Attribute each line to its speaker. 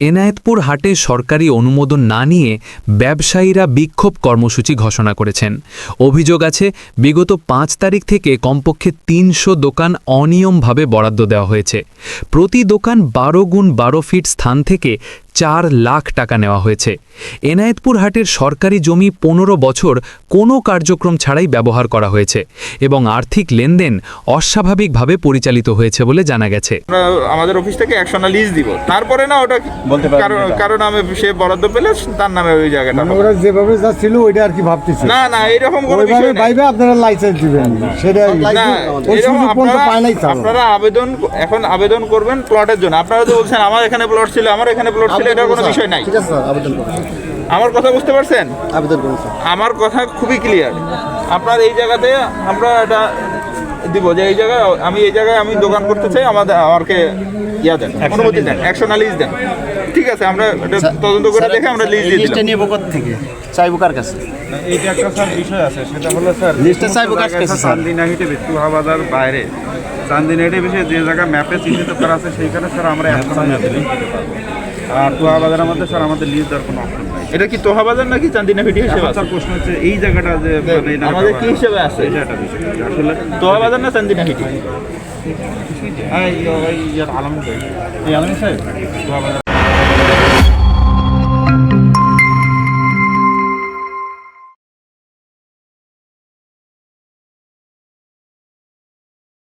Speaker 1: এনায়েতপুর হাটে সরকারি অনুমোদন না নিয়ে ব্যবসায়ীরা বিক্ষোভ কর্মসূচি ঘোষণা করেছেন। অভিযোগ আছে বিগত ৫ তারিখ থেকে কমপক্ষে ৩০০ দোকান অনিয়মভাবে বরাদ্দ দেওয়া হয়েছে। প্রতি দোকান ১২x১২ ফিট স্থান থেকে ৪ লাখ টাকা নেওয়া হয়েছে। এনায়েতপুর হাটের সরকারি জমি ১৫ বছর কোনো কার্যক্রম ছাড়াই ব্যবহার করা হয়েছে এবং আর্থিক লেনদেন অস্বাভাবিকভাবে পরিচালিত হয়েছে বলে জানা গেছে।
Speaker 2: আমাদের অফিস থেকে ১০০ না লিজ দিব, তারপরে না ওটা
Speaker 3: বলতে পারবেন
Speaker 2: কারণ আমি সে বরাদ্দ পেলে তার নামে ওই জায়গাটা
Speaker 4: ওরা যেভাবে যা ছিল ওইটা আর কি ভাবতেছে
Speaker 2: না না এরকম কোনো
Speaker 4: ওইভাবে
Speaker 2: বিষয় নেই।
Speaker 4: বাইবে আপনারা লাইসেন্স দিবেন সেটাই
Speaker 2: না,
Speaker 4: ওই
Speaker 2: এরকম
Speaker 4: সুযোগ পর্যন্ত পায় নাই তো।
Speaker 2: আপনারা আবেদন করবেন প্লটের জন্য। আপনারা তো বলছেন আমার এখানে প্লট ছিল, আমার এখানে প্লট ছিল, এটা কোনো বিষয় নাই।
Speaker 4: ঠিক আছে স্যার, আবেদন করুন।
Speaker 2: আমার কথা বুঝতে পারছেন?
Speaker 4: আবেদন করুন স্যার।
Speaker 2: আমার কথা খুবই ক্লিয়ার। আপনার এই জায়গাতে আমরা এটা দিব যে এই জায়গায় আমি দোকান করতে চাই, আমাকে ইয়া দেন, অনুমতি দেন, ১০০ না লিজ দেন। ঠিক আছে, আমরা এটা তদন্ত করে দেখে আমরা লিজ দিয়ে দিলাম।
Speaker 3: নিব কোথা থেকে চাইবো কার কাছে?
Speaker 5: এইটা একটা স্যার বিষয় আছে, সেটা হলো স্যার
Speaker 3: লিস্টটা চাইবো কার কাছে স্যার?
Speaker 5: চান্দিনাহিটে বেতুহাবাজার বাইরে চান্দিনাহিটে বিষয়ে যে জায়গা ম্যাপে চিহ্নিত করা আছে সেইখানে স্যার আমরা এখন লিজ দিতে পারবো। আর তোহাবাজারের মধ্যে স্যার আমাদের লিজ দেওয়ার কোনো অপশন নাই।
Speaker 2: এটা কি তোহাবাজার নাকি চান্দিনাভিটি হিসেবে
Speaker 5: এখন
Speaker 2: আছে?
Speaker 5: স্যার প্রশ্ন হচ্ছে এই জায়গাটা যে মানে এই নামটা
Speaker 2: আমাদের কি হিসেবে আছে?
Speaker 5: এটা একটা বিষয় আসলে
Speaker 2: তোহাবাজার না চান্দিনাভিটি?
Speaker 5: আলম সাহেব তোহাবাজার